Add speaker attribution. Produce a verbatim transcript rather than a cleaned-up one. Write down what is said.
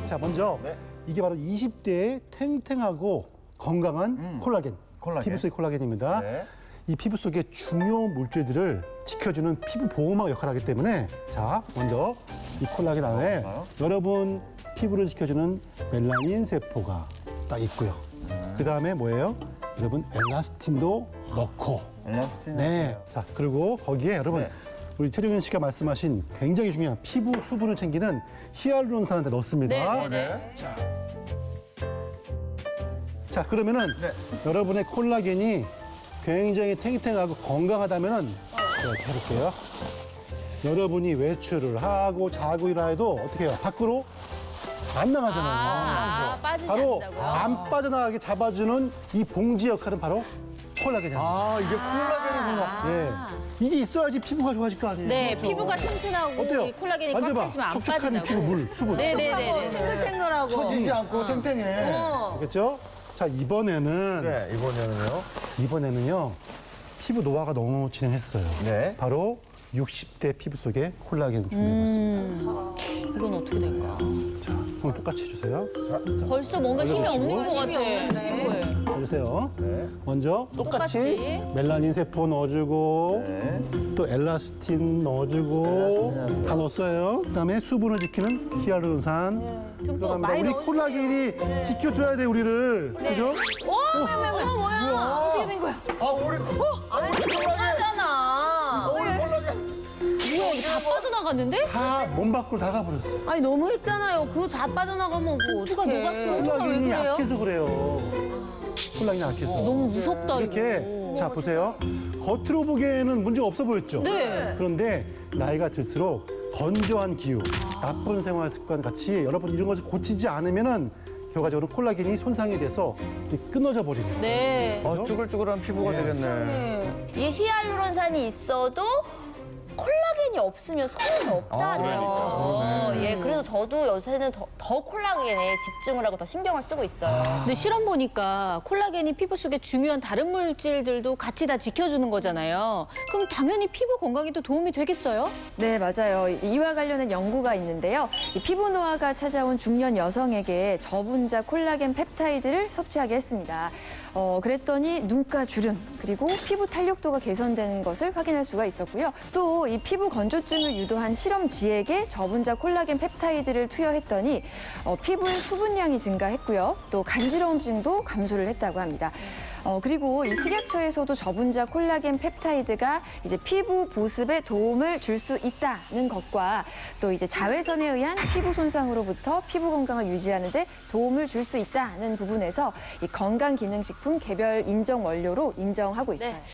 Speaker 1: 자, 먼저
Speaker 2: 네.
Speaker 1: 이게 바로 이십 대의 탱탱하고 건강한
Speaker 2: 음.
Speaker 1: 콜라겐,
Speaker 2: 콜라겐.
Speaker 1: 피부 속의 콜라겐입니다.
Speaker 2: 네.
Speaker 1: 이 피부 속의 중요 물질들을 지켜주는 피부 보호막 역할을 하기 때문에 자, 먼저 이 콜라겐 안에
Speaker 2: 뭔가요?
Speaker 1: 여러분 피부를 지켜주는 멜라닌 세포가 딱 있고요.
Speaker 2: 음.
Speaker 1: 그 다음에 뭐예요? 여러분 엘라스틴도 넣고
Speaker 2: 엘라스틴.
Speaker 1: 네. 자, 그리고 거기에 여러분
Speaker 2: 네.
Speaker 1: 우리 최종현 씨가 말씀하신 굉장히 중요한 피부 수분을 챙기는 히알루론산한테 넣습니다.
Speaker 3: 네, 네, 네.
Speaker 2: 네.
Speaker 1: 자, 자 그러면은
Speaker 2: 네.
Speaker 1: 여러분의 콜라겐이 굉장히 탱탱하고 건강하다면은 제가 이렇게 해볼게요. 여러분이 외출을 하고 자고 일어나도 어떻게 해요? 밖으로 안 나가잖아요.
Speaker 3: 아, 아, 빠지지
Speaker 1: 바로
Speaker 3: 않는다고요?
Speaker 1: 안 빠져나가게 잡아주는 이 봉지 역할은 바로 콜라겐이에요.
Speaker 2: 아, 이게 콜라겐이구나.
Speaker 3: 아.
Speaker 1: 예. 이게 있어야지 피부가 좋아질 거 아니에요.
Speaker 3: 네,
Speaker 1: 그렇죠?
Speaker 3: 피부가 튼튼하고
Speaker 1: 어때요?
Speaker 3: 이 콜라겐이 꽉
Speaker 1: 만져봐.
Speaker 3: 차시면 안
Speaker 1: 촉촉한
Speaker 3: 빠진다고.
Speaker 1: 피부 물, 수분.
Speaker 3: 네네네.
Speaker 4: 탱글탱글하고.
Speaker 2: 처지지 않고 탱탱해.
Speaker 4: 어.
Speaker 1: 알겠죠? 자, 이번에는
Speaker 2: 네, 이번에는요.
Speaker 1: 이번에는요. 피부 노화가 너무 진행했어요.
Speaker 2: 네.
Speaker 1: 바로 육십 대 피부 속에 콜라겐 준비해봤습니다.
Speaker 3: 음, 이건 어떻게 될까?
Speaker 1: 자, 그럼 똑같이 해주세요.
Speaker 3: 벌써 뭔가 힘이 없는 것 같아. 피부에.
Speaker 1: 해주세요.
Speaker 2: 네.
Speaker 1: 먼저 똑같이,
Speaker 3: 똑같이.
Speaker 1: 멜라닌 세포 넣어주고
Speaker 2: 네.
Speaker 1: 또 엘라스틴 넣어주고
Speaker 2: 엘라스틴
Speaker 1: 다 넣었어요. 그다음에 수분을 지키는 히알루론산.
Speaker 3: 듬뿍
Speaker 1: 들어갑니다.
Speaker 4: 많이
Speaker 1: 우리
Speaker 4: 넣어주세요.
Speaker 1: 콜라겐이 지켜줘야 돼 우리를. 그죠?
Speaker 4: 어머, 뭐야? 어떻게 된 거야?
Speaker 2: 아, 우리 콜-
Speaker 4: 아니, 콜라겐.
Speaker 2: 우리 콜라겐.
Speaker 3: 뭐야, 이게 다 빠져나갔는데?
Speaker 1: 다 몸 밖으로 나가버렸어.
Speaker 4: 아니, 너무 했잖아요. 그거 다 빠져나가면 뭐
Speaker 3: 누가
Speaker 4: 어떡해.
Speaker 3: 녹았어?
Speaker 4: 어떡해, 왜
Speaker 1: 콜라겐이
Speaker 4: 그래요?
Speaker 1: 약해서 그래요. 콜라겐이 약해서.
Speaker 3: 너무 무섭다,
Speaker 1: 이렇게
Speaker 3: 이거.
Speaker 1: 자 보세요. 겉으로 보기에는 문제가 없어 보였죠.
Speaker 3: 네.
Speaker 1: 그런데 나이가 들수록 건조한 기후, 나쁜 생활 습관 같이 여러분 이런 것을 고치지 않으면은 결과적으로 콜라겐이 손상이 돼서 이렇게 끊어져 버리는 거예요.
Speaker 3: 네.
Speaker 2: 아, 쭈글쭈글한 피부가 되겠네.
Speaker 5: 이 히알루론산이 있어도 콜라겐이 없으면 소용이 없다죠.
Speaker 2: 아,
Speaker 5: 예, 그래서 저도 요새는 더, 더 콜라겐에 집중을 하고 더 신경을 쓰고 있어요.
Speaker 3: 근데 실험 보니까 콜라겐이 피부 속에 중요한 다른 물질들도 같이 다 지켜주는 거잖아요. 그럼 당연히 피부 건강에도 도움이 되겠어요?
Speaker 6: 네, 맞아요. 이와 관련된 연구가 있는데요. 이 피부 노화가 찾아온 중년 여성에게 저분자 콜라겐 펩타이드를 섭취하게 했습니다. 어, 그랬더니 눈가 주름, 그리고 피부 탄력도가 개선되는 것을 확인할 수가 있었고요. 또 이 피부 건조증을 유도한 실험쥐에게 저분자 콜라겐 펩타이드를 투여했더니 어, 피부의 수분량이 증가했고요. 또 간지러움증도 감소를 했다고 합니다. 어, 그리고 이 식약처에서도 저분자 콜라겐 펩타이드가 이제 피부 보습에 도움을 줄 수 있다는 것과 또 이제 자외선에 의한 피부 손상으로부터 피부 건강을 유지하는 데 도움을 줄 수 있다는 부분에서 이 건강기능식품 개별 인정 원료로 인정하고 있어요.